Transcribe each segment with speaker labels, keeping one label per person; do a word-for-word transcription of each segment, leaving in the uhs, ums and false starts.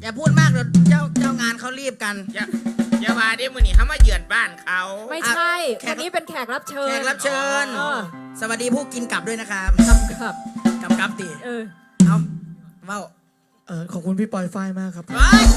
Speaker 1: อย่าพูดมากเดี๋ยวเจ้าเจ้างานเขารีบกัน
Speaker 2: อย่าอย่าว่าได้มือนี่เขามาเยือนบ้านเขา
Speaker 3: ไม่ใช่คนนี้เป็นแขกรับเชิญ
Speaker 1: แขกรับเชิญ
Speaker 3: เออ
Speaker 1: สวัสดีผู้กินกลับด้วยนะครับ
Speaker 3: ครับครับ
Speaker 1: กับกับตี
Speaker 3: เออ
Speaker 1: เอาเว้า
Speaker 4: เออขอบคุณพี่ปอยฝ้ายมากครับ
Speaker 1: เฮ้ย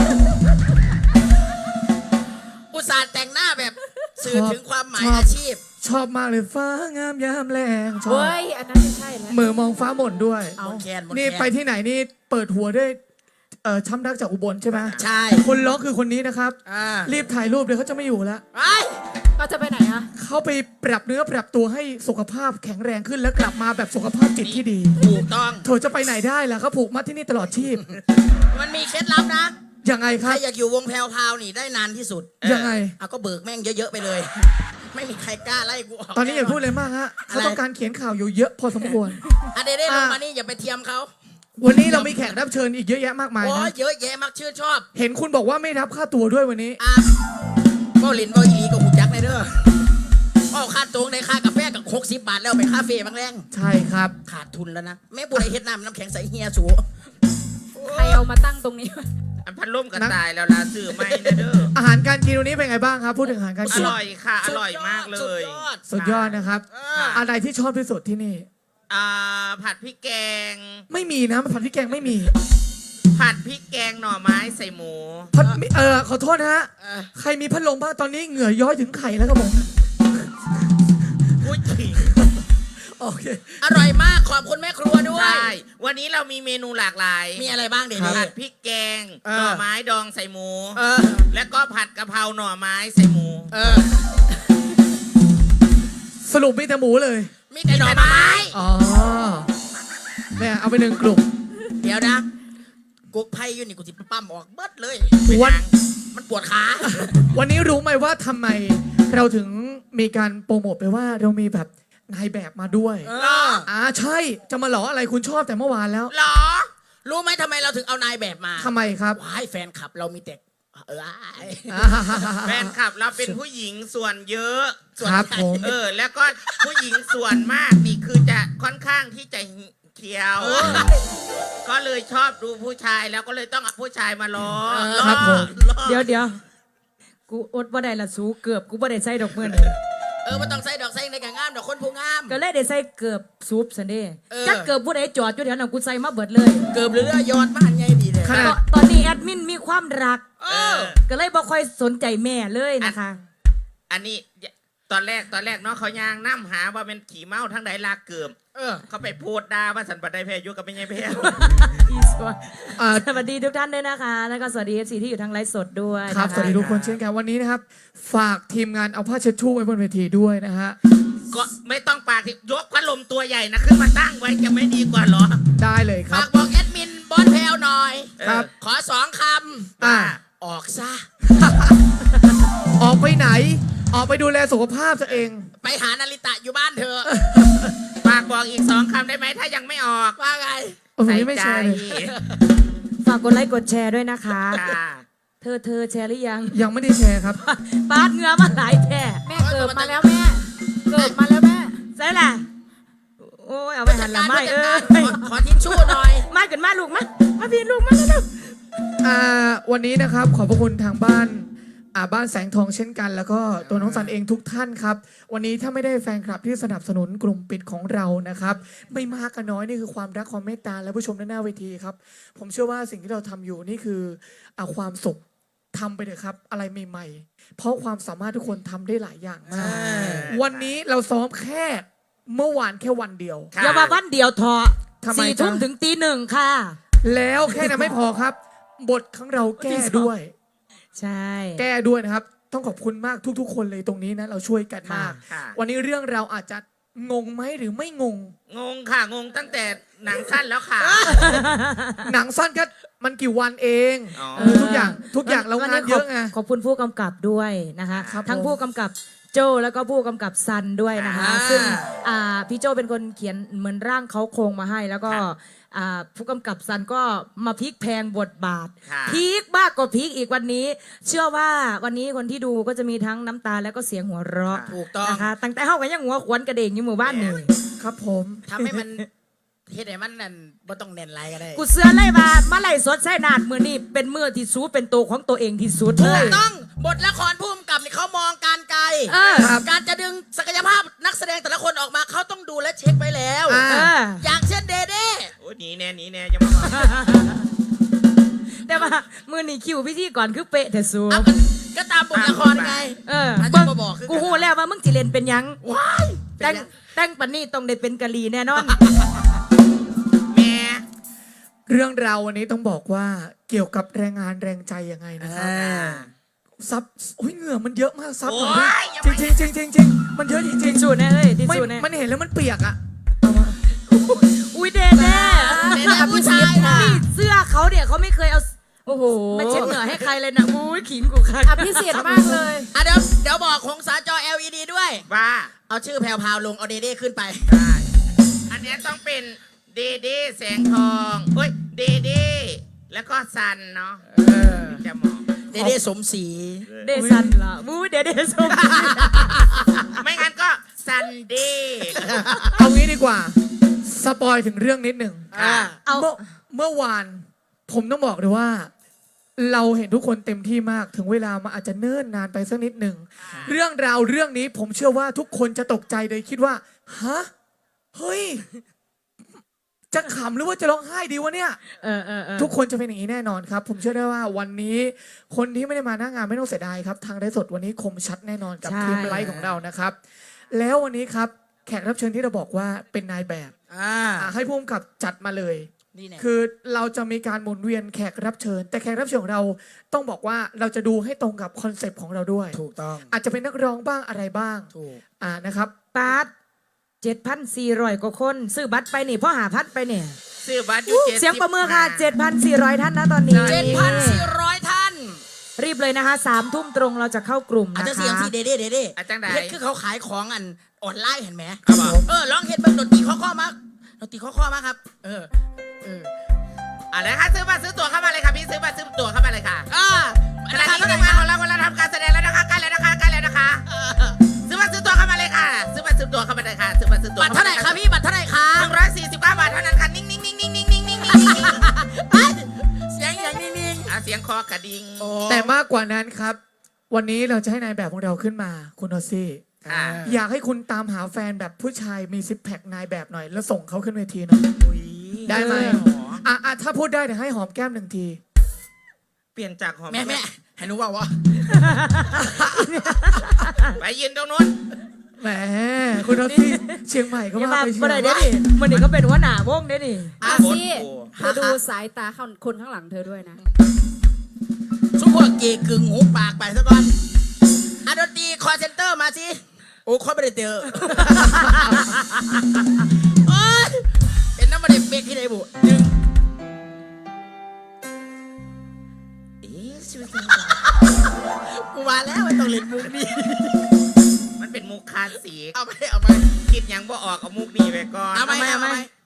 Speaker 1: อุตส่าห์แต่งหน้าแบบสื่อถึงความหมาย
Speaker 4: ชอบ
Speaker 1: อาชีพ
Speaker 4: ชอบมากเลยฟ้างามยามแรงชอบ
Speaker 3: เฮ้ยอันนั้นไม่ใช่แล้ว
Speaker 4: เหมือมองฟ้าหม่นด้วย
Speaker 3: เอา
Speaker 1: บนแคนบน
Speaker 4: นี่
Speaker 1: แคน
Speaker 4: ไปที่ไหนนี่เปิดหัวด้วยเอ่อช้ำรักจากอุบลใช่ไหม
Speaker 1: ใช่
Speaker 4: คนร้องคือคนนี้นะครับ
Speaker 1: อ่า
Speaker 4: รีบถ่ายรูปเดี๋ยวเขาจะไม่อยู่แล้ว
Speaker 1: ไอ้
Speaker 3: ก็จะไปไหนอะ
Speaker 4: เขาไปปรับเนื้อปรับตัวให้สุขภาพแข็งแรงขึ้นแล้วกลับมาแบบสุขภาพจิตที่ดี
Speaker 1: ถูกต้อง
Speaker 4: เธอจะไปไหนได้ล่ะเขาผูกมัดที่นี่ตลอดชีพ
Speaker 1: มันมีเคล็ดลับนะ
Speaker 4: ยังไงค
Speaker 1: ใคร
Speaker 4: รับ
Speaker 1: อยากอยู่วงแพรวพราวนี่ได้นานที่สุด
Speaker 4: ยังไง
Speaker 1: เอาก็เบิกแม่งเยอะๆไปเลย ไม่มีใครกล้าไล่กูออก
Speaker 4: ตอนนี้อย่าพูดเลยมากฮะเขาต้องการเขียนข่าวอยู่เยอะพอสมควร
Speaker 1: อ่ะเดได้ลงมานี่อย่าไปเทียมเขา
Speaker 4: วันนี้เรามีแขกรับเชิญอีกเยอะแยะมากมาย
Speaker 1: โอ้
Speaker 4: นะ
Speaker 1: ยเยอะแยะมากชื่นชอบ
Speaker 4: เห็นคุณบอกว่าไม่รับค่าตัวด้วยวันนี้
Speaker 1: อ่ะบอลินบอลีกับหูจักในเด้อเอาค่าตรงในค่ากาแฟกับหกสิบบาทแล้วไปคาเฟ่บางแรง
Speaker 4: ใช่ครับ
Speaker 1: ขาดทุนแล้วนะแม่บุไรเฮ็ดน้ำน้ำแข็งใสเฮียสู
Speaker 3: ใครเอามาตั้งตรงนี้วะ
Speaker 2: อันพันล่มกันตายแล้วลาสื่อไม่นะเด้อ
Speaker 4: อาหารการกินวันนี้เป็นไงบ้างครับ พูดถึงอาหารการ
Speaker 2: อ
Speaker 4: กิน
Speaker 2: ร่อยค่ะ อร่อยมากเลย
Speaker 1: สุดยอด
Speaker 4: สุดยอดนะครับ
Speaker 1: เออ
Speaker 4: อะไรที่ชอบที่สุดที่นี่
Speaker 2: อ่าผัดพริกแกง
Speaker 4: ไม่มีนะผัดพริกแกงไม่มี
Speaker 2: ผัดพริกแกงหน่อไม้ใส่หมู
Speaker 4: ผัดเออขอโทษนะฮะ
Speaker 1: เออ
Speaker 4: ใครมีพัดลมบ้างตอนนี้เหงื่อย้อยถึงไข่แล้วครับผม
Speaker 2: พูดจริง
Speaker 4: โอเค
Speaker 1: อร่อยมากขอบคุณแม่ครัวด้วย
Speaker 2: ใช่ วันนี้เรามีเมนูหลากหลาย
Speaker 1: มีอะไรบ้างเดี๋ยว
Speaker 4: ครั
Speaker 1: นี้
Speaker 4: บ
Speaker 2: ผัดพริกแกง
Speaker 1: เออ
Speaker 2: หน่อไม้ดองใส่หมู
Speaker 1: เออ
Speaker 2: แล้วก็ผัดกะเพราหน่อไม้ใส่หมู
Speaker 1: เออ
Speaker 4: สรุปมีแต่หมูเลย
Speaker 1: มีแต่หน่อไม้
Speaker 4: อ๋อเนี่ยเอาไปหนึ่งกลุ่ม
Speaker 1: เดี๋ยวนะกุ๊กไพ่อยู่นี่กูจิปั้มออกเบิดเลย
Speaker 4: วัน
Speaker 1: มันปวดขา
Speaker 4: วันนี้รู้ไหมว่าทำไมเราถึงมีการโปรโมทไปว่าเรามีแบบนายแบบมาด้วย
Speaker 1: เออ
Speaker 4: อ่าใช่จะมาหลออะไรคุณชอบแต่เมื่อวานแล้ว
Speaker 1: หรอ รู้ไหมทำไมเราถึงเอานายแบบมา
Speaker 4: ทำไมครับ
Speaker 1: ว้ายแฟนคลับเรามีแต่เออ
Speaker 2: แฟนคลับเราเป็นผู้หญิงส่วนเยอะ
Speaker 4: ครับผม
Speaker 2: เออ แล้วก็ผู้หญิงส่วนมากนี่คือจะค่อนข้างที่จะเคียว ก็เลยชอบดูผู้ชายแล้วก็เลยต้องเอาผู้ชายมาล้อล้อ
Speaker 4: ครับผม
Speaker 2: ล้อ
Speaker 3: เดี๋ยวเดี๋ยวกูอดว่าได้ละสูเกือบกูบ่ได้ใส่ดอกเมือน
Speaker 1: เออมันต้องใส่ดอกใส่ในกางงามดอกคนผู้งาม
Speaker 3: ก็เลยได้ใส่เกือบซูปสันเด้
Speaker 1: เออ
Speaker 3: จักเกือบผู้ใดจอดอยู่แถวนั้นกูใส่มาเบิดเลย
Speaker 1: เกือบเรือยอดบ้านไงดีเลย
Speaker 4: ขนาด
Speaker 3: ตอนตอนนี้แอดมินมีความรัก
Speaker 1: เออ
Speaker 3: ก็เลยบ่ค่อยสนใจแม่เลยนะคะ
Speaker 2: อันนี้ตอนแรกตอนแรกเนาะเขายางน้ำหาว่าเป็นขี่เมาทั้งใดลากเกือบ
Speaker 1: เออ
Speaker 2: เขาไปพูดด่าว่าสันปัดได้แพ้ยุกับไม่ใช่แพ้
Speaker 3: อีสวน
Speaker 4: อ่า
Speaker 3: สวัสดีทุกท่านด้วยนะคะ แล้วก็สวัสดี เอฟ ซี ที่อยู่ทางไลฟ์สดด้วย
Speaker 4: ครับ
Speaker 3: นะะ
Speaker 4: สวัสดีทุกคนเช่นกันวันนี้นะครับ ฝากทีมงานเอาผ้าเช็ดชู่ไว้บนเวทีด้วยนะฮะ
Speaker 2: ก็ไม่ต้องปากที่ยกพัดลมตัวใหญ่นะขึ้นมาตั้งไว้จะไม่ดีกว่าเหรอ
Speaker 4: ได้เลยครั
Speaker 1: ฝา
Speaker 4: บ
Speaker 1: กบอกแอดมินบอสแพลวหน่อย
Speaker 4: ครับ
Speaker 1: ขอสองค
Speaker 4: อ่า
Speaker 1: ำ ออกซะ
Speaker 4: ออกไปไหน ออกไปดูแลสุขภาพตัวเอง
Speaker 1: ไปหานาริตะอยู่บ้านเธอะ
Speaker 2: ฝากบอกอีกสองคำได้ไหมถ้ายังไม่ออก
Speaker 1: ว่าไง
Speaker 4: โอ้โหไม่แชร์เลย
Speaker 3: ฝากกดไลค์กดแชร์ด้วยนะคะ
Speaker 2: จ้า
Speaker 3: เธอเธอแชร์หรือยัง
Speaker 4: ยังไม่ได้แชร์ครับ
Speaker 3: ปาดเหงือมาหลายแท่
Speaker 1: แม่
Speaker 3: แม่
Speaker 1: เกิ
Speaker 3: เกิ
Speaker 1: ด
Speaker 3: ด
Speaker 1: มา
Speaker 3: มา
Speaker 1: แล้
Speaker 3: แล้ว ว
Speaker 1: แม่
Speaker 3: แม่ เกิดมาแล้วแม่ใช่ล่ะโอ้ยเอาไปหันละไม่เอ้ย
Speaker 1: ขอขอทิชชู่หน่อย
Speaker 3: มาเกิดมาลูกมามาพี่ลูกมาแล้ว
Speaker 4: อ่าวันนี้นะครับขอบพระคุณทางบ้านอ่าบ้านแสงทองเช่นกัน แล้วก็ตัวน้องสันเองทุกท่านครับ วันนี้ถ้าไม่ได้แฟนคลับที่สนับสนุนกลุ่มปิดของเรานะครับ ไม่มากก็น้อยนี่คือความรักความเมตตาและผู้ชมด้านหน้าเวทีครับ ผมเชื่อว่าสิ่งที่เราทำอยู่นี่คืออาความสุขทำไปเถอะครับ อะไรใหม่ๆเพราะความสามารถทุกคนทำได้หลายอย่างมาก วันนี้เราซ้อมแค่เมื่อวานแค่วันเดียว
Speaker 2: ค่ะ
Speaker 3: อย่ามาวันเดียวเถอะ
Speaker 4: ทำไม
Speaker 3: สี่
Speaker 4: จ๊ะ
Speaker 3: ทุ่มถึงตีหนึ่งค่ะ
Speaker 4: แล้วแค่นั้นไม่พอครับ บทของเราแก้ด้วย
Speaker 3: ใช่
Speaker 4: แก้ด้วยนะครับ ต้องขอบคุณมากทุกๆ คนเลยตรงนี้นะ เราช่วยกันมาก
Speaker 2: ค่ะ
Speaker 4: วันนี้เรื่องเราอาจจะงงไหมหรือไม่งง
Speaker 2: งงค่ะ งงตั้งแต่หนังสั้นแล้วค่ะ
Speaker 4: หนังสั้นก็มันกี่วันเอง
Speaker 2: อ๋อ
Speaker 4: เออทุกอย่างทุกอย่างเรางานเยอะไง
Speaker 3: ขอบคุณผู้กำกับด้วยนะคะ
Speaker 4: ครับ
Speaker 3: ทั้ง
Speaker 4: ผม
Speaker 3: ผู้กำกับโจแล้วก็ผู้กำกับซันด้วยนะคะ
Speaker 1: อ่า
Speaker 3: ซึ่งอ่าพี่โจเป็นคนเขียนเหมือนร่างเขาโครงมาให้ แล้วก็อ่าผู้กำกับซันก็มาพลิกแพงบทบาท
Speaker 2: ค่ะ
Speaker 3: พีคมากกว่าพีคอีกวันนี้ เชื่อว่าวันนี้คนที่ดูก็จะมีทั้งน้ำตาแล้วก็เสียงหัวเราะ
Speaker 1: ถูกต้อง
Speaker 3: นะคะตั้งแต่เฮากันยังหัวขวนกระเด่งอยู่หมู่บ้านนี่
Speaker 4: ครับผม
Speaker 1: ทำให้มันเฮ็ดให้มันนั่นบ่ต้องเน้นไรก็ได้
Speaker 3: กูเสือไล่มามาไล่สดใส่นาดมือนี่เป็นมือที่สูเป็นตัวของตัวเองที่สุดเล
Speaker 1: ถูก
Speaker 3: ย
Speaker 1: ต้องบทละครผู้กำกับนี่เขามองการไกล
Speaker 3: เออ
Speaker 1: การจะดึงศักยภาพนักแสดงแต่ละคนออกมาเขาต้องดูและเช็คไปแล้ว
Speaker 4: อ่า
Speaker 3: เออ
Speaker 1: อย่างเช่นเดเด้
Speaker 2: โอ้ยหนีแน่หนีแน่ยังไม่มา
Speaker 3: แต่ว่ามือนี่คิวพิธีก่อนคือเป๊ะแต่สู
Speaker 1: เอากันก็ตามบทละครไง
Speaker 3: เออ
Speaker 1: อาจจะ
Speaker 3: เบิ่ง
Speaker 1: มาบอกคือกัน
Speaker 3: กูฮู้แล้วว่ามึงสิเล่นเป็นหยัง
Speaker 1: ว้ายเป็
Speaker 3: แต่
Speaker 1: น
Speaker 3: ง
Speaker 1: ยัง
Speaker 3: แต่งปันนี่ต้องได้เป็นกะลีแน่นอน
Speaker 2: แม่
Speaker 4: เรื่องราววันนี้ต้องบอกว่าเกี่ยวกับแรงงานแรงใจยังไงนะครับ
Speaker 1: อ่า
Speaker 4: ซับโอ้ยเหงื่อมันเยอะมากซับ
Speaker 2: โอ้
Speaker 4: หน่อย
Speaker 2: ยยัง
Speaker 4: จริ
Speaker 2: ไม่
Speaker 4: งจริงจริงจริงๆมันเยอะจริง
Speaker 3: ทิช
Speaker 4: ๆ
Speaker 3: ชู่แน่เลยทิช
Speaker 4: ไม่
Speaker 3: ชู่แน่
Speaker 4: มันเห็นแล้วมันเปียกอะเอามา
Speaker 3: อุ้ยเดแน่
Speaker 1: เดเด้ผู้ชายนะ
Speaker 3: นี่เสื้อเขาเนี่ยเขาไม่เคยเอาโอ้โหมาเช็ดเหงื่อให้ใครเลยนะอุ้ยขิงกูค่ะ
Speaker 5: อภิสิทธิ์มากเลย
Speaker 1: อ่ะเดี๋ยวเดี๋ยวบอกของสาจอ แอล อี ดี ด้วย
Speaker 2: ว่า
Speaker 1: เอาชื่อแพรวพราวลงเอาเดเด้ขึ้นไป
Speaker 2: ได้อันเนี้ยต้องเป็นเดเด้แสงทองเฮ้ยเดเด้แล้วก็ซันเนาะจะเหมาะ
Speaker 1: เดเด้สมศรี
Speaker 3: เดซันล่ะอุ้ยเดเดสม
Speaker 2: ไม่งั้นก็ซันเดย์
Speaker 4: เอางี้ดีกว่าสปอยถึงเรื่องนิดหนึ่ง
Speaker 1: อ่า
Speaker 3: เอา
Speaker 4: เมื่อเมื่อวานผมต้องบอกเลยว่า เราเห็นทุกคนเต็มที่มากถึงเวลามันอาจจะเนิ่นนานไปสักนิดหนึ่งเรื่องราวเรื่องนี้ผมเชื่อว่าทุกคนจะตกใจเลยคิดว่าฮะเฮ้ยจะขำหรือว่าจะร้องไห้ดีวะเนี่ย
Speaker 3: เออเออเออ
Speaker 4: ทุกคนจะเป็นอย่างนี้แน่นอนครับ ผมเชื่อได้ว่าวันนี้คนที่ไม่ได้มาหน้างานไม่ต้องเสียดายครับทางไลฟ์สดวันนี้คมชัดแน่นอนกับทีมไลฟ์ของเรานะครับ แล้ววันนี้ครับแขกรับเชิญที่เราบอกว่าเป็นนายแบบ
Speaker 1: อ่า
Speaker 4: อ่ะให้พุ่มกับจัดมาเลย
Speaker 1: นี่แน่
Speaker 4: คือเราจะมีการหมุนเวียนแขกรับเชิญ แต่แขกรับเชิญของเราต้องบอกว่าเราจะดูให้ตรงกับคอนเซปต์ของเราด้วย
Speaker 1: ถูกต้อง
Speaker 4: อาจจะเป็นนักร้องบ้างอะไรบ้าง
Speaker 1: ถูก
Speaker 4: อ่านะครับ
Speaker 3: ปาร์ตเจ็ดพันสี่ร้อยกว่าคน ซื้อบัตรไปนี่พ่อหาพัดไปเนี่ย
Speaker 2: ซื้อบัตรอยู่เจ็ด
Speaker 3: เสียงประเมินค่ะเจ็ดพันสี่ร้อยท่านนะตอนนี้
Speaker 1: เจ็ดพันสี่ร้อยท่าน
Speaker 3: รีบเลยนะคะสามทุ่มตรงเราจะเข้ากลุ่ม
Speaker 1: อาจ
Speaker 3: นะ
Speaker 1: จะเสียง
Speaker 3: คะ
Speaker 1: สีเดเด้เดเด้
Speaker 2: อาจารย์ใด
Speaker 1: เฮ็ดคือเขาขายของอันออนไลน์เห็นไหม
Speaker 2: ครับผม
Speaker 1: เออร้องเฮ็ดเบิ่งดนตรีข้อข้อมากดนตรีข้อข้อมากครับ เออเออ
Speaker 2: อ่ะนะคะซื้อบัตรซื้อตั๋วเข้ามาเลยค่ะพี่ซื้อบัตรซื้อตั๋วเข้ามาเลยค่ะ
Speaker 1: อ่า
Speaker 2: ขณะนี้ทีมงานของเรากำลังทำการแสดงแล้วนะคะใกล้แล้วนะคะใกล้แล้วนะคะ ซื้อบัตรซื้อตั๋วเข้ามาเลยค่ะ ซื้อบัตรซื้อตั๋วเข้ามาเลยค่ะ ซื้อบัตรซื้อตั๋ว
Speaker 1: บัตรเท่าไหร่ครับพี่บัตรเท่าไหร่ครั
Speaker 2: ห
Speaker 1: บ
Speaker 2: นึ่งร้อยสี่สิบเก้าบาทเท่านั้นค่ะนิ่งนิ่งนิ่งนิ่งนิ่งนิ่งนิ่งนิ่งนิ่ง
Speaker 1: เอ้ยเสียงอย่างนิ่ง
Speaker 2: อ่ะเสียงคอกระดิ่ง
Speaker 1: ๆโอ้
Speaker 4: แต่มากกว่านั้นครับ วันนี้เราจะให้นายแบบของเราขึ้นมาคุณโอซี่
Speaker 2: อ่ะ
Speaker 4: อยากให้คุณตามหาแฟนแบบผู้ชายมีซิปแพคนายแบบหน่อย แล้วส่งเขาขึ้นเวทีหน่อย
Speaker 1: อุ๊ย
Speaker 4: ได้ไหม
Speaker 2: เออ
Speaker 4: อ่ะอ่ะถ้าพูดได้เดี๋ยวให้หอมแก้มหนึ่งที
Speaker 2: เปลี่ยนจากหอม
Speaker 1: แม่แม่ให้หนูว่าวะ
Speaker 2: ไปยืนตรงนู้น
Speaker 4: แหมคุณโอซี่เชียงใหม่ก็
Speaker 3: อย่า
Speaker 4: มา
Speaker 3: มา
Speaker 4: ไปเชีย
Speaker 3: บ่
Speaker 4: ง
Speaker 3: ได้เด้ดิมันนี่ก็เป็นหัวหน้าวงเด้ดิ
Speaker 5: อา
Speaker 2: โคตร
Speaker 5: ซี่
Speaker 2: โก
Speaker 5: เธอดูสายตาคนข้างหลังเธอด้วยนะ
Speaker 1: ซุปพวกเกย์กึ่งหูปากไปซะก่อนอะดนตรีคอเซนเตอร์มาสิ โอ้คอยไม่ได้เจอ โอ้ยเป็นน้ำมันเด็กเบกที่ไหนบุหนึ่ง
Speaker 2: เอ๊ะชีวิต
Speaker 1: กูมาแล้วไม่ต้องเล่นมุกนี้
Speaker 2: มันเป็นมุกคลาสสิก
Speaker 1: เอาไปเอาไป
Speaker 2: คิดยังบ่ออกเอามุกนี้ไปก่อน
Speaker 1: เอาไปเอาไป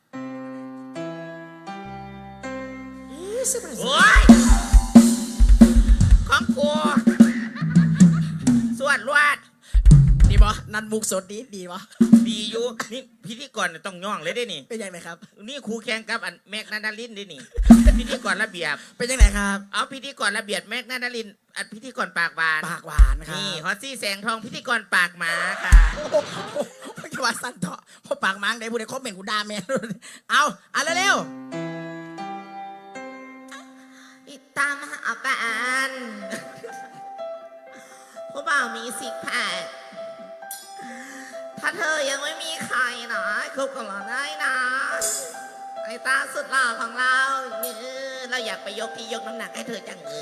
Speaker 2: โอ้ยของกูสวดลวด
Speaker 1: ดีปะนันมุกสดดีดีปะ
Speaker 2: ดีอยู่นี่พิธีกรต้องย่องเลยได้นี่
Speaker 1: เป็นยังไงครับ
Speaker 2: นี่ครูแข่งกับอันแม็กนาดาลินได้นี่ พิธีกรระเบียบ
Speaker 1: เป็นยังไงครับ
Speaker 2: เอาพิธีกรระเบียบแม็กนาดาลินอันพิธีกรปากหวาน
Speaker 1: ปากหวานครับ
Speaker 2: นี่ฮอตซี่แสงทองพิธีกรปากหมาค่ะ
Speaker 1: โอ้โหไม่ใช่ว่าสั้นเถอะเพราะปากมังได้พูดในคอมเมนต์กูด่าแม่เอาอ่ะเร็ว
Speaker 2: ติดตามหาแฟนผู้บ่าวมีสิกแพคถ้าเธอยังไม่มีใครนะคบกับเราได้นะไอ้ตาสุดหล่อของเราเนี่ยเราอยากไปยกที่ยกน้ำหนักให้เธอจังเลย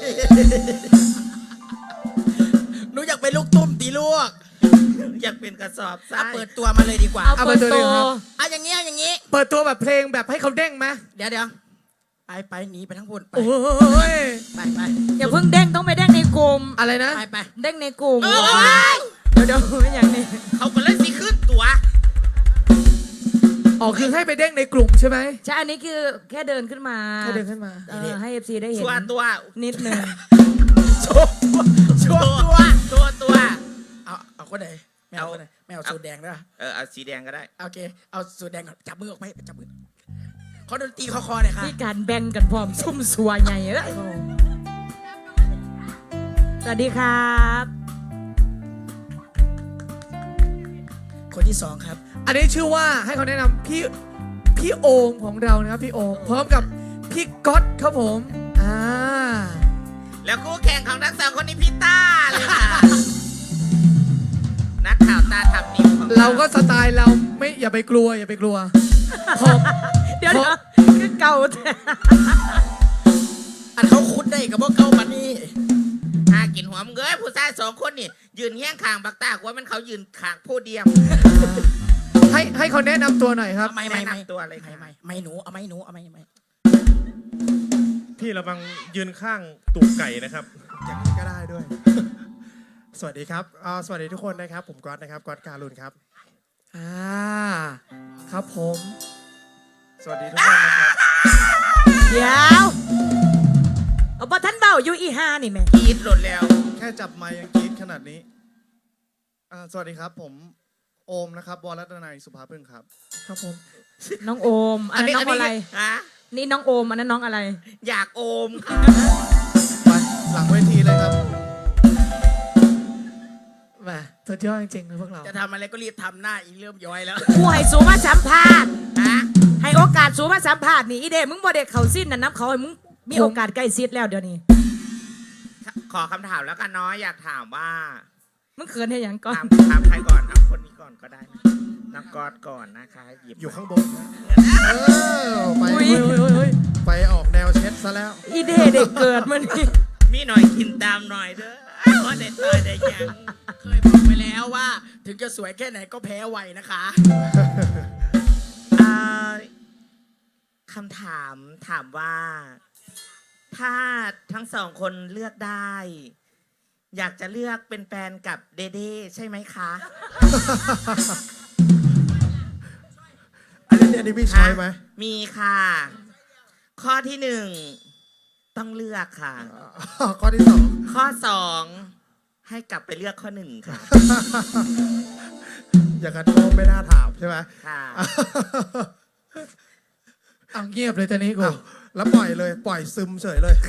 Speaker 1: ๆหนูอยากเป็นลูกตุ้มตีลูก
Speaker 2: อยากเป็นกระสอบทรา
Speaker 1: เอา
Speaker 2: ย
Speaker 1: เปิดตัวมาเลยดีกว่า
Speaker 3: เอา
Speaker 4: เอา
Speaker 3: เปิด
Speaker 4: เปิดตั
Speaker 3: ตัว ว
Speaker 4: ครับ
Speaker 1: อ่ะอย่างงี้เอาอย่างงี้
Speaker 4: เปิดตัวแบบเพลงแบบให้เขาเด้งไหม
Speaker 1: เดี๋ยวเดี๋ยวไปไปหนีไปทั้งพุ่นไป
Speaker 4: โอ้ย
Speaker 1: ไปไป
Speaker 3: อย่าเพิ่งเด้งต้องไปเด้งในกลุ่ม
Speaker 4: อะไรนะ
Speaker 1: ไปไป
Speaker 3: เด้งในกลุ่ม
Speaker 1: เออไป
Speaker 3: เดี๋ยวเดี๋ยวไม่อย่างนี้
Speaker 2: เขาก็เลยสิขึ้นตัว
Speaker 4: อ๋อคือให้ไปเด้งในกลุ่มใช่ไหม
Speaker 3: ใช่อันนี้คือแค่เดินขึ้นมา
Speaker 4: แค่เดินขึ้นมา
Speaker 3: เออให้เอฟซีได้เห็น
Speaker 2: ชัวตัว
Speaker 3: นิดหนึ่ง
Speaker 1: โชว์ตัวโชว์ตัว
Speaker 2: ตัวตัว
Speaker 1: เอาเอาคนไหนไม่เอาคนไหนไม่เอาสูตรแดงด้วย
Speaker 2: เออเอาสีแดงก็ได้
Speaker 1: โอเคเอาสูตรแดงก่อนจับมือออกไปจับมือขอดนตรีคอคอหน่อยค่ะ
Speaker 3: มีการแบ่งกันพร้อมซุ่มสัวใหญ่เอ้ยสวัสดีครับ
Speaker 1: คนที่สองครับ
Speaker 4: อันนี้ชื่อว่าให้เขาแนะนำพี่พี่โอมของเรานะครับพี่โอมพร้อมกับพี่ก๊อตครับผมอ่า
Speaker 2: แล้วคู่แข่งของทั้งสองคนนี้พี่ต้าเลยค่ะ นักข่าวตาทำนิ้วของ
Speaker 4: เราก็สไตล์เราไม่อย่าไปกลัวอย่าไปกลัวผม
Speaker 3: เดี๋ยว
Speaker 4: เพ
Speaker 3: เดี๋ยว
Speaker 4: ราะ
Speaker 3: คือเก่าแต่
Speaker 1: อันเขาคุดได้กับพวกเก้าปันนี่
Speaker 2: หากินหัวมึงเอ้ยผู้ชายสองคนนี่ยืนเฮี้ยงคางบักตากว่ามันเขายืนขางผู้เดียว
Speaker 4: ให้ให้เขาแนะนำตัวหน่อยครับ
Speaker 1: ไม่ไม่ไม่
Speaker 2: แนะนำตัวเลย
Speaker 1: ไม่
Speaker 2: ค่ะ
Speaker 1: ไม่ไม่หนูเอาไม่หนูเอาไม่ไม่
Speaker 6: พี่ระวังยืนข้างตูดไก่นะครับ
Speaker 7: อย่างนี้ก็ได้ด้วย สวัสดีครับอ่าสวัสดีทุกคนนะครับ ผมก๊อตนะครับ ก๊อตการุณครับ
Speaker 4: อ่าครับผม
Speaker 7: สวัสดีทุกคนนะครับ
Speaker 3: เดี๋ยวเอาปะท่านเบาอยู่อีห้านี่แม่
Speaker 2: กรีดหลุดแล้ว
Speaker 7: แค่จับไมค์ยังกรี๊ดขนาดนี้อ่าสวัสดีครับ ผมโอมนะครับวรรัตนัยสุภาพึ่งครับ
Speaker 4: ครับผม
Speaker 3: น้องโอม อันนั้นน้องอะไร
Speaker 2: ฮะ
Speaker 3: นี่น้องโอม อันนั้นน้องอะไร
Speaker 2: อยากโอมค่ะ
Speaker 7: ไปหลังเวทีเลยครับ
Speaker 4: แหมสุดยอดจริงๆเลยพวกเรา
Speaker 1: จะทำอะไรก็รีบทำหน้าอีเริ่มย้อยแล้ว
Speaker 3: กูให้สูมาสัมภาษณ์
Speaker 2: ฮะ
Speaker 3: ให้โอกาสสูมาสัมภาษณ์นี่อีเดมึงบ่เด็กเขาสิ้นนะนับเขาให้มึงมีโอกาสใกล้ชิดแล้วเดี๋ยวนี้
Speaker 2: ขอคำถามแล้วกันเนาะอยากถามว่า
Speaker 3: มึงเขินให้หยังก่อน
Speaker 2: ถามถามใครก่อนเอาคนนี้ก่อนก็ได้นะนักกอดก่อนนะคะหยิบ
Speaker 7: อยู่ข้างบนนะเออไป
Speaker 3: อุ๊ย
Speaker 4: เฮ้ยเฮ้ยเฮ้ย
Speaker 7: ไปออกแนวเช็ดซะแล้ว
Speaker 3: อีเดเด็กเกิดมานี่
Speaker 2: มีหน่อยกินตามหน่อยเด้อว่าได้ต่อยได้ยัง
Speaker 1: เคยบอกไปแล้วว่า ถึงจะสวยแค่ไหนก็แพ้ไวนะคะ
Speaker 2: อ่าคำถามถามว่า ถ้าทั้งสองคนเลือกได้ อยากจะเลือกเป็นแฟนกับเดเด้ใช่ไหมคะ
Speaker 7: อันนี้อันนี้มีช้อยไหม
Speaker 2: มีค่ะ ข้อที่หนึ่งต้องเลือกค่ะ
Speaker 7: อ๋อข้อที่สอง
Speaker 2: ข้อสองให้กลับไปเลือกข้อหนึ่งค่ะ
Speaker 7: อย่างกันโทษไม่น่าถามใช่ไหม
Speaker 2: ค่ะ
Speaker 4: เอาเงียบเลยตอนนี้กู
Speaker 7: อ้าวแล้วปล่อยเลยปล่อยซึมเฉยเลย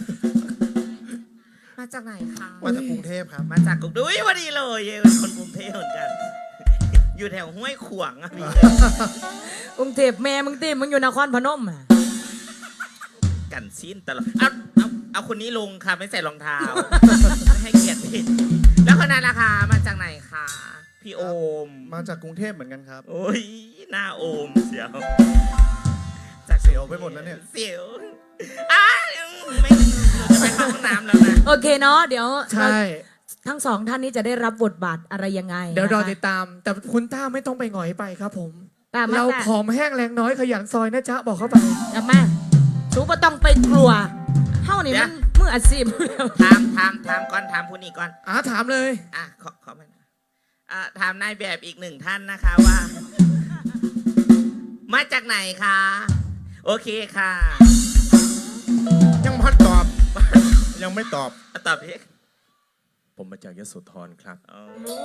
Speaker 2: มาจากไหนคะ
Speaker 7: มาจากกรุงเทพครับ
Speaker 2: มาจากกรุงเทพอุ๊ยพอดีเลยเป็นคนกรุงเทพเหมือนกัน อยู่แถวห้วยขวางอะพี่
Speaker 3: กรุงเทพแม่มึงตีมึงอยู่นครพนมอ่ะ
Speaker 2: กันซีนตลอดเอาเอาเอาคนนี้ลงค่ะไม่ใส่รองเท้า ไม่ให้เกียรติผิดแล้วคนนั้นล่ะคะมาจากไหนคะพี่โอม
Speaker 7: มาจากกรุงเทพเหมือนกันครับ
Speaker 2: โอ้ยหน้าโอมเสียว
Speaker 7: เสียวไปหมดแล้วเนี่ย
Speaker 2: เสียวอ้าวไม่เราจะไปเข้าห้องน้ำแล้วนะ
Speaker 3: โอเคเนาะเดี๋ยว
Speaker 4: ใช่
Speaker 3: ทั้งสองท่านนี้จะได้รับบทบาทอะไรยังไง
Speaker 4: เดี๋ยวรอ
Speaker 3: นะคะ
Speaker 4: ติดตาม แต่คุณต้าไม่ต้องไปหงอยไปครับผม
Speaker 3: ตามมา
Speaker 4: เรา
Speaker 3: ตา
Speaker 4: ผอมแห้งแรงน้อยขยันซอยนะจ๊ะบอกเข้าไป
Speaker 3: กลับมาสูบ่ต้องไปกลัวเฮ้านี่มันมืออาชีพอยู่แล้ว
Speaker 2: ถามถามถามก่อนถามผู้นี้ก่อน
Speaker 4: อ่าถามเลย
Speaker 2: อ่ะขอขอมานะอ่ะถามนายแบบอีกหนึ่งท่านนะคะว่า มาจากไหนคะ โอเคค่ะ
Speaker 6: ยังพัดตอบ ยังไม่ตอบ
Speaker 2: อ่ะตอบพี่
Speaker 6: ผมมาจากยโสธรครับ
Speaker 2: อ๋อ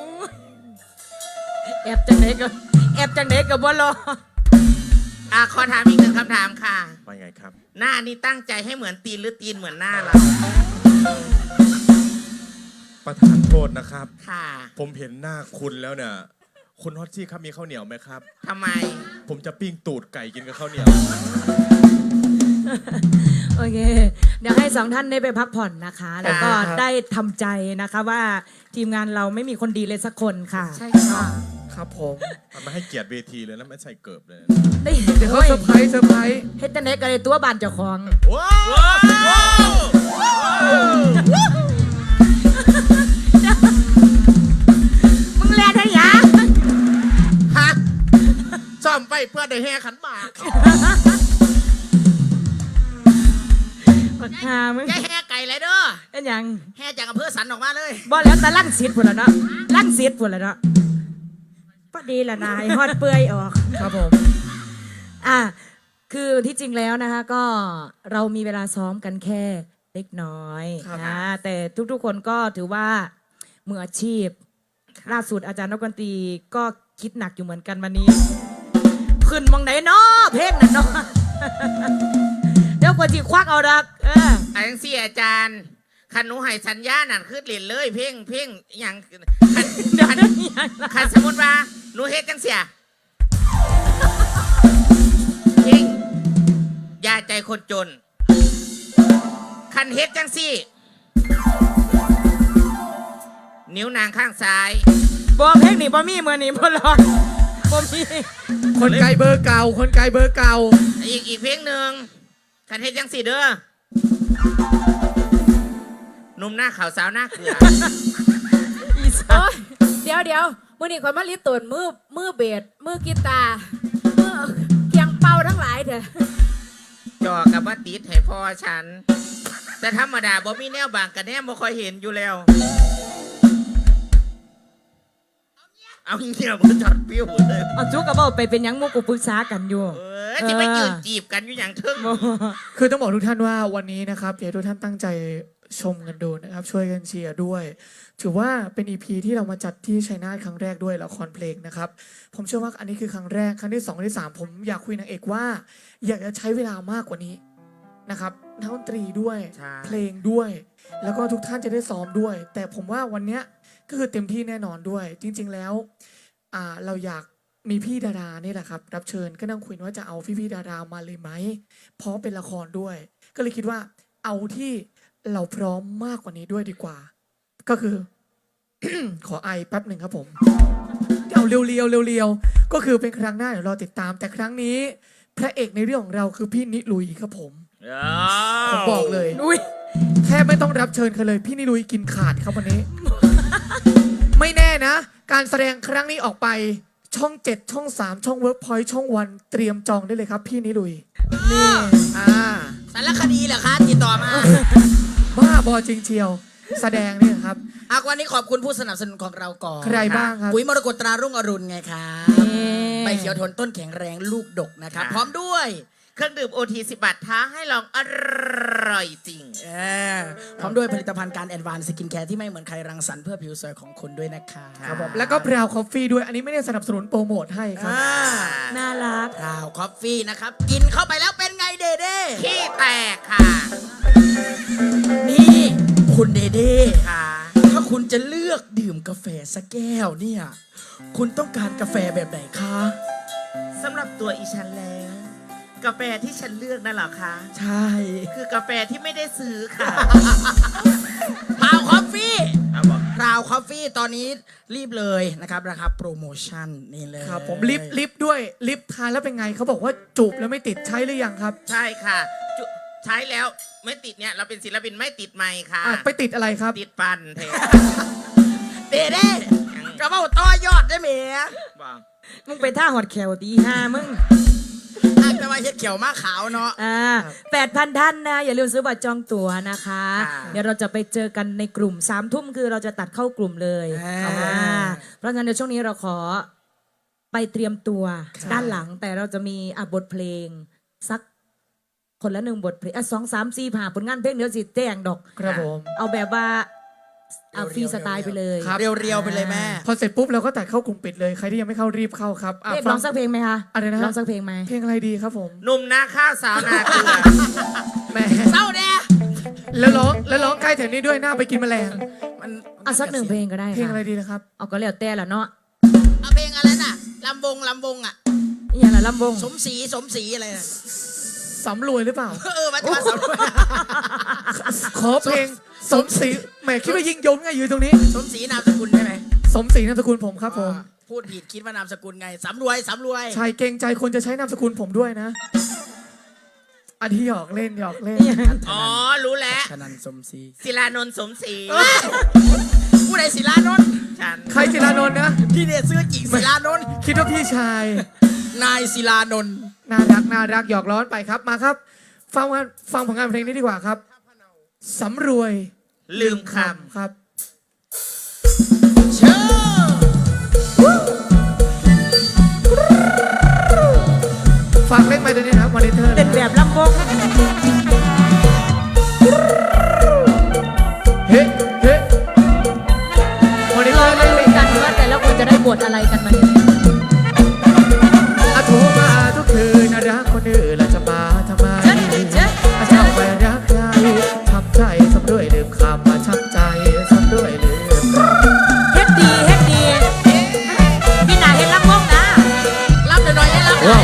Speaker 3: แอบจังเด็กกับแอบจังเด็กกับบ่รอ
Speaker 2: อ่ะขอถามอีกหนึ่งคำถามค่ะ
Speaker 6: ว่าไงครับ
Speaker 2: หน้านี่ตั้งใจให้เหมือนตีนหรือตีนเหมือนหน้าเรา
Speaker 6: ประธานโทษนะครับ
Speaker 2: ค่ะ
Speaker 6: ผมเห็นหน้าคุณแล้วเนี่ย คุณฮอตชี่ครับมีข้าวเหนียวไหมครับ
Speaker 2: ทำไม
Speaker 6: ผมจะปิ้งตูดไก่กินกับข้าวเหนียว
Speaker 3: โอเค เดี๋ยวให้สองท่านได้ไปพักผ่อนนะคะ แล้วก็
Speaker 4: ครับ
Speaker 3: ได้ทำใจนะคะว่าทีมงานเราไม่มีคนดีเลยสักคนค่ะ
Speaker 2: ใช่ค่ะ
Speaker 4: ครับผม
Speaker 6: มันไม่ให้เกียรติเวทีเลยนะไม่ใส่เกิบเลยนะ
Speaker 3: ได้
Speaker 4: เดี๋ยวเขาเซอร์ไพรส์เซอร์ไพรส์
Speaker 3: เฮ็ดจังเด็กกันเลยตัวบานเจ้าของ
Speaker 6: ว้า
Speaker 2: ว้าว
Speaker 3: มึงแลได้ยัง
Speaker 1: ฮะซ่อมไปเพื่อได้แห่ขันหมาก
Speaker 3: ปากกามึง
Speaker 1: อย่าแห่ไก่เลยเด้อ
Speaker 3: เป็นหยัง
Speaker 1: แห่จากอำเภอสันออกมาเลย
Speaker 3: บ่แล้วแต่ลั่งสิทธิ์พุ่นละเนาะลั่งสิทธิ์พุ่นละเนาะพอดีละนายฮอดเปื่อยออก
Speaker 4: ครับผม
Speaker 3: อ่ะคือที่จริงแล้วนะคะก็เรามีเวลาซ้อมกันแค่เล็กน้อย
Speaker 4: ครับ
Speaker 3: นะแต่ทุกๆคนก็ถือว่ามืออาชีพล่าสุดอาจารย์นกดนตรีก็คิดหนักอยู่เหมือนกันวันนี้ขึ้นมองไหนเนาะเพลงนั่นเนาะเดี๋ยวกว่าจีควักเอาดักเออ
Speaker 2: ไอ้ยังสี่อาจารย์คันหนูให้สัญญานั่นคือเล่นเลยเพ่งเพ่งอหย่างคันคันคันสมมติว่าหนูเฮ็ดจังเสียเพ่งยาใจคนจน คันเฮ็ดจังสี่ นิ้วนางข้างซ้าย
Speaker 3: บอเพลงนี่บอมี่เมื่อนี่บอลอนบอมี่
Speaker 4: คนไกลเบอร์เก่า คนไกลเบอร์เก่า
Speaker 2: อีกอีกเพลงหนึ่งคันเฮ็ดจังสี่เด้อหนุ่มหน้าขาวสาวหน้าเกลือ
Speaker 3: อีสา
Speaker 5: โอ๊ยเดี๋ยวเดี๋ยวมือนี่คนมาลิตนมือมือเบสมือกีตาร์มือเคียงเป่าทั้งหลายเถอะ
Speaker 2: จอกับว่าติดให้พ่อฉัน แต่ธรรมดาบ่มีแนวบางกันแน่บ่ค่อยเห็นอยู่แล้ว เอาเงี้ยบ่จอดปิ้วเลย
Speaker 3: เอาจุกกับเบ้าไปเป็นหยังหมุกกูปรึกษากันอยู่
Speaker 2: เออที่ไปยืนจีบกันอยู่อย่างเทิง
Speaker 3: บ่
Speaker 4: คือต้องบอกทุกท่านว่าวันนี้นะครับอยากให้ทุกท่านตั้งใจชมกันดูนะครับ ช่วยกันเชียร์ด้วย ถือว่าเป็น อี พี ที่เรามาจัดที่ชัยนาทครั้งแรกด้วยละครเพลงนะครับ ผมเชื่อว่าอันนี้คือครั้งแรกครั้งที่สองครั้งที่สามผมอยากคุยนางเอกว่า อยากจะใช้เวลามากกว่านี้นะครับนักดนตรีด้วย
Speaker 2: ใช่
Speaker 4: เพลงด้วย แล้วก็ทุกท่านจะได้ซ้อมด้วย แต่ผมว่าวันเนี้ยก็คือเต็มที่แน่นอนด้วย จริง ๆแล้วอ่าเราอยากมีพี่ดารานี่แหละครับ รับเชิญก็นั่งคุยว่าจะเอาพี่พี่ๆดารามาเลยไหมเพราะเป็นละครด้วย ก็เลยคิดว่าเอาที่เราพร้อมมากกว่านี้ด้วยดีกว่า ก็คือ ขอไอแป๊บหนึ่งครับผมเอาเรียวๆเรียวๆก็คือเป็นครั้งหน้าเดี๋ยวรอติดตาม แต่ครั้งนี้พระเอกในเรื่องของเราคือพี่นิลุยครับผมผมบอกเลย
Speaker 3: อุ้ย
Speaker 4: แทบไม่ต้องรับเชิญใครเลยพี่นิลุยกินขาดครับวันนี้ ไม่แน่นะ การแสดงครั้งนี้ออกไปช่องเจ็ดช่องสามช่องเวิร์กพอยต์ช่องวันเตรียมจองได้เลยครับพี่นิลุยนี่อ่า
Speaker 1: สารคดีเหรอคะติดต่อมา
Speaker 4: บ้าบอจริงเชียว แสดงเนี่ยครับ
Speaker 1: อาวันนี้ขอบคุณผู้สนับสนุนของเราก่อน
Speaker 4: ใครบ้างครับ
Speaker 1: ปุ๋ยมรกตตรารุ่งอรุณไงครับใบเขียวทนต้นแข็งแรงลูกดกนะครับ พร้อมด้วย
Speaker 2: เครื่องดื่มโอทีสิบบาทท้าให้ลองอร่อยจริง
Speaker 1: เออพร้อมด้วยผลิตภัณฑ์การแอดวานซ์สกินแคร์ที่ไม่เหมือนใครรังสรรค์เพื่อผิวสวยของคุณด้วยนะคะ
Speaker 4: ครับผมแล้วก็พราวคอฟฟี่ด้วยอันนี้ไม่ได้สนับสนุนโปรโมทให้ครับ
Speaker 1: อ่า
Speaker 3: น่ารัก
Speaker 1: ราวคอฟฟี่นะครับ กินเข้าไปแล้วเป็นไงเดเด้
Speaker 2: ขี้แตกค่ะ
Speaker 1: นี่คุณเดเด้
Speaker 2: ค่ะ
Speaker 1: ถ้าคุณจะเลือกดื่มกาแฟสักแก้วเนี่ย คุณต้องการกาแฟแบบไหนคะ
Speaker 2: สำหรับตัวอีฉันแล้ว กาแฟที่ฉันเลือกนั่นเหรอคะ
Speaker 1: ใช่
Speaker 2: คือกาแฟที่ไม่ได้ซื้อค่ะ
Speaker 1: ราวคอฟฟี่
Speaker 2: เอาบอก
Speaker 1: ราวคอฟฟี่ตอนนี้รีบเลยนะครับราคาโปรโมชั่นนี่เลย
Speaker 4: ครับผมลิฟต์ลิฟต์ด้วยลิฟต์ทานแล้วเป็นไงเขาบอกว่าจูบแล้วไม่ติดใช้หรือยังครับ
Speaker 2: ใช่ค่ะจุใช้แล้วไม่ติดเนี่ย เราเป็นศิลปินไม่ติดไมค์ค่ะ
Speaker 4: อ่ะไปติดอะไรครับ
Speaker 2: ติดปันเท
Speaker 1: เดเด้กระเป๋าต่อยอดได้ไหม
Speaker 2: บอก
Speaker 3: มึงไปท่าหอดแขวตีห้ามึง
Speaker 1: อาจจะมาเฮ็ดเขียวมาขาวเนาะ
Speaker 3: อ่าแปดพันท่านนะ อย่าลืมซื้อบัตรจองตั๋วนะคะ เดี๋ยวเราจะไปเจอกันในกลุ่มสามทุ่มคือเราจะตัดเข้ากลุ่มเลยอ่าเพราะฉะนั้นเดี๋ยวช่วงนี้เราขอไปเตรียมตัวด้านหลังแต่เราจะมีอ่ะบทเพลง สักคนละหนึ่งบทเพลงอ่ะสองสามสี่ผ่าผลงานเพลงเดี๋ยวสิแจ้งดอก
Speaker 4: ครับผม
Speaker 3: เอาแบบว่าเอาฟรีสไตล์ไปเลย
Speaker 4: ครับ
Speaker 1: เรียวๆไปเลยแม่
Speaker 4: พอเสร็จปุ๊บเราก็ตัดเข้ากลุ่มปิดเลยใครที่ยังไม่เข้ารีบเข้าครับอ่ะ
Speaker 3: เอ๊ะ
Speaker 4: ฟั
Speaker 3: ร้องสักเพลงไหมคะ
Speaker 4: อะไรนะ
Speaker 3: ร้องสักเพลงไหม
Speaker 4: เพลงอะไรดีครับผม
Speaker 2: หนุ่มนาข้าวสาวนาเกลือ
Speaker 4: แหม
Speaker 1: เศร้าแน่
Speaker 4: แล้วร้องแล้วร้องใกล้แถวนี้ด้วยหน้าไปกินแมลง
Speaker 1: มัน
Speaker 3: เอาสักหนึ่งเพลงก็ได้
Speaker 4: เพลงอะไร
Speaker 3: ค่ะ
Speaker 4: ดีนะครับ
Speaker 3: เอาก็แล้วแต่ละเนาะ
Speaker 1: เอาเพลงอะไรน่ะลำวงลำวงอ่ะ
Speaker 3: อย่างละลำวง
Speaker 1: สมศรีสมศรีอะไรน่ะ
Speaker 4: สำรวยหรือเปล่า
Speaker 1: เออมาจะมาสำรวจ
Speaker 4: ขอเพลงสมศรีแหมคิดว่ายิงยงไงอยู่ตรงนี้
Speaker 1: สมศรีนามสกุลใช่ไหม
Speaker 4: สมศรีนามสกุลผมครับผม
Speaker 1: อ่าพูดผิดคิดว่านามสกุลไงสำรวยสำรวย
Speaker 4: ชายเกรงใจคนจะใช้นามสกุลผมด้วยนะอันที่หยอกเล่นหยอกเล่น
Speaker 2: อ๋อ รู้แล้ว
Speaker 1: ชนันสมศรี
Speaker 2: ศิลานนท์สมศรี
Speaker 1: ผู้ใดศิลานนท์
Speaker 2: ฉัน
Speaker 4: ใครศิลานนท์นะ
Speaker 1: พี่เนี่ยซื้อจริงศิลานนท์
Speaker 4: คิดว่าพี่ชาย
Speaker 1: นายศิลานนท์
Speaker 4: น่ารักน่ารักหยอกล้อนไปครับมาครับ ฟังงานฟังผลงานเพลงนี้ดีกว่าครับสำรวย
Speaker 2: ลืมค
Speaker 4: ครับ
Speaker 1: เชิญ
Speaker 4: ฟังเล่นไปตัวนี้นะครับมอนิเตอร์
Speaker 3: เต้นแบบลำวง
Speaker 4: เฮ้เฮ้มอนิเต
Speaker 3: เรา
Speaker 4: อร์
Speaker 3: มา
Speaker 4: เล่น
Speaker 3: ดูกันว่าแต่ละคนจะได้บทอะไรกันมาเนี่ย
Speaker 4: อะโทรมาทุกคืนนะรักคนอื่นละจะมามคำมาช้ำใจซ้ำด้วยลืมคำ
Speaker 3: เฮ็ดดีเฮ็ดดีพี่นาเฮ็ดลำวงนะ
Speaker 1: รับหน่อยๆให้รับหน่อย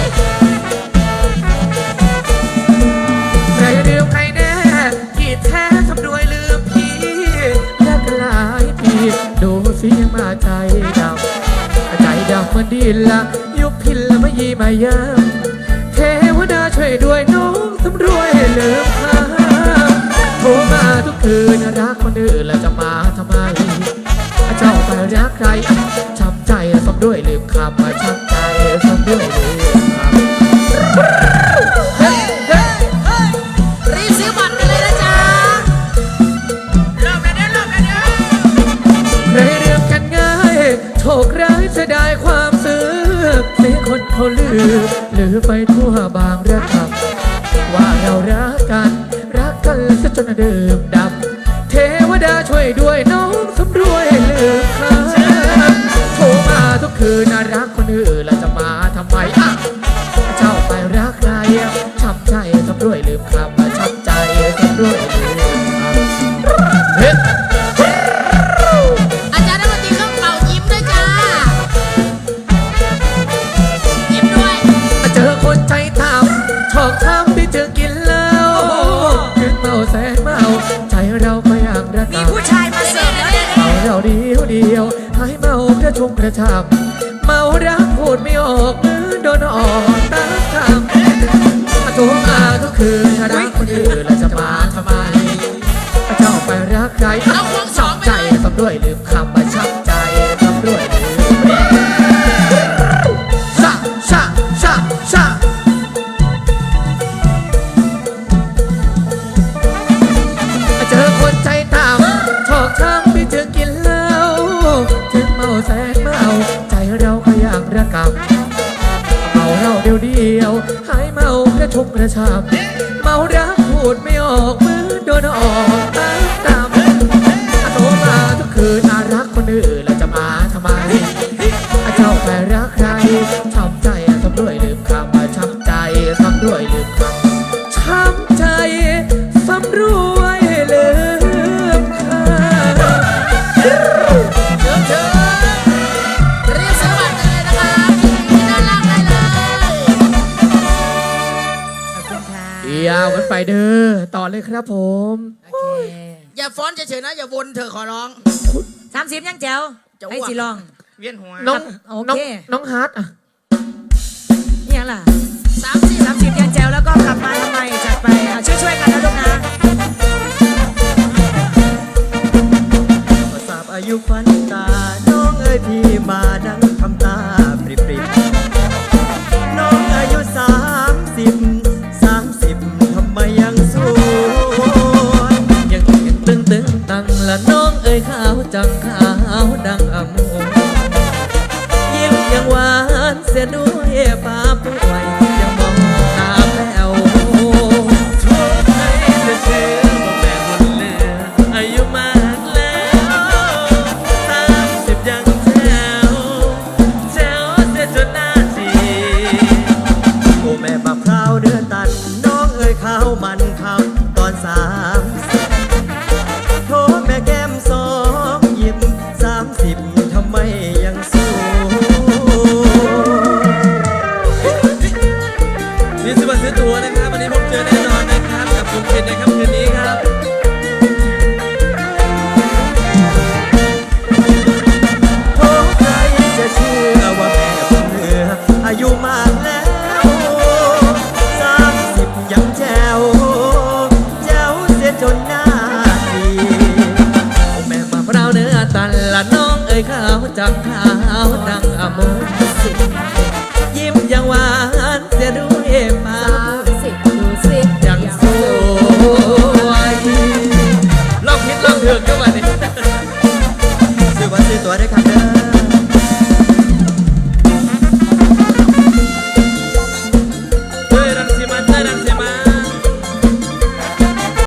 Speaker 4: ใครลืมใครแน่ที่แท้ทำด้วยลืมพี่แลกกันหลายปีดูสิยังมาใจดำใจดำเหมือนดินละยุบพินละมายีมาเยิ้มเทวดาช่วยด้วยน้องสำรวยลืมคำโทรมาทุกคืนรักคนอื่นแล้วจะมาทำไมเจ้าไปรักใครช้ำใจซ้ำด้วยลืมคำมาช้ำใจซ้ำด้วยลืมคำ
Speaker 1: รีบซื้อบัตรกันเลยนะจ๊ะเริ่มแล้วเด้อเริ่มแล้วเด้อ
Speaker 4: ใครเรื่องกันง่ายโชคร้ายจะได้ความซื้อเสียคนเขาลือลือไปทั่วบางระคำว่าเรารักกันรักกันซะจนดื่มดำเทวดาช่วยด้วยน้องสำรวยลืมคำโทรมาทุกคืนน่ารักคนอื่นแล้วจะมาทำไมอ่ะเจ้าไปรักใครช้ำใจสำรวยลืมคำมาช้ำใจสำรวยลืมคำเฮ้
Speaker 1: อาจารย์นักดนตรีเครื่องเป่ายิ้มด้วยจ้ายิ้มด้วย
Speaker 4: เจอคนใจต่ำชอกช้ำที่เจอกินเหล้าถึงเมาแสนเมาใจเราก็ยังระ
Speaker 3: มี
Speaker 4: กำ
Speaker 3: ผู้ชายมาเสิร์ฟแล้วเนี่ย
Speaker 4: เมาเราเดียวเดียวให้เมากระชุ่มกระชำเมารักพูดไม่ออกมือโดนออกตามคำโทรมาทุกคืนรักคนอื่นแล้วจะมาทำไมเจ้าไปรักใคร
Speaker 1: เอาควงสองไป
Speaker 4: ใจ
Speaker 1: เลย
Speaker 4: สำด้วยลืมคำมาช้ำใจสำด้วยลืมชะชะชะชะ เจอคนใจต่ำชอกช้ำที่เจอกินเหล้าถึงเมาแสนเมาใจเราก็ยังระกำเมาเราเดียวเดียวหายเมากระชุ่มกระชำเมารักพูดไม่ออกมือโดนออกตามตามโทรมาทุกคืนน่ารักคนอื่นแล้วจะมาทำไมเจ้าไปรักใครช้ำใจซ้ำด้วยลืมคำมาช้ำใจซ้ำด้วยลืมคำช้ำใจซ้ำรวยลืมคำ
Speaker 1: เชิญเชิญรีบซื้อบัตรกันเลยนะครับที่ด้านล่างได้เลย
Speaker 3: ขอบคุณค่ะ
Speaker 4: ยาวกันไปเด้อต่อเลยครับผม
Speaker 3: โอเค
Speaker 1: อย่าฟ้อนเฉยๆนะอย่าวนเธอะขอร้อง
Speaker 3: สามสิบยังแจ๋ว
Speaker 1: จะอ้วก
Speaker 3: ไอ้สิลอง
Speaker 6: เวียนหัว
Speaker 4: น้อง
Speaker 3: โอ
Speaker 4: น้อง
Speaker 3: เค
Speaker 4: น้องฮาร์ดอ่ะ
Speaker 3: นี่ยังล่ะ
Speaker 1: สามสี่
Speaker 3: สามสิบยังแจ๋วแล้วก็กลับมาทำไมจัดไปอ่ะช่วยๆกันนะลูกนะ
Speaker 8: ทราบอายุฟันตา น้องเอ้ยพี่มานั่งทำตาปริบปริบน้องอายุสามสิบสามสิบทำไมยังสวยยังยังตึงตึงตังละน้องเอ้ยขาวจังขาวดังอมูยิ้มยังหวานเสียด้วยป้าป่วยยังมองตาแป๋วโชคให้จะเชื่อว่าแม่บุญเหลืออายุมากแล้วสามสิบยังแจ๋วแจ๋วเสียจนหน้าจีโอ้แม่มะพร้าวเดือตันน้องเอ้ยข้าวมันคำตอนสามสิบโทษแม่แก้มสองยิ้มสามสิบทำไมยังสวยนี่ซื้อบัตรซื้อตั๋วนะครับวันนี้ผมเจอแน่นอนนะครับกับกลุ่มปิดในค่ำคืนนี้ครับโอ้ใครจะเชื่อว่าแม่บุญเหลืออายุมากแล้วสามสิบยังแจ๋วแจ๋วเสียจนหน้าดีโอ้แม่มาพร้าวเนื้อตันละน้องเอ้ยขาวจังขาวดังอมุสิยิ้มยังหวานเสียด้วยป้า
Speaker 5: สิบดูสิ
Speaker 8: ยังสวยลองคิดลองเถือกกันวันนี้ซื้อวันซื้อตัวได้ครับเด้อ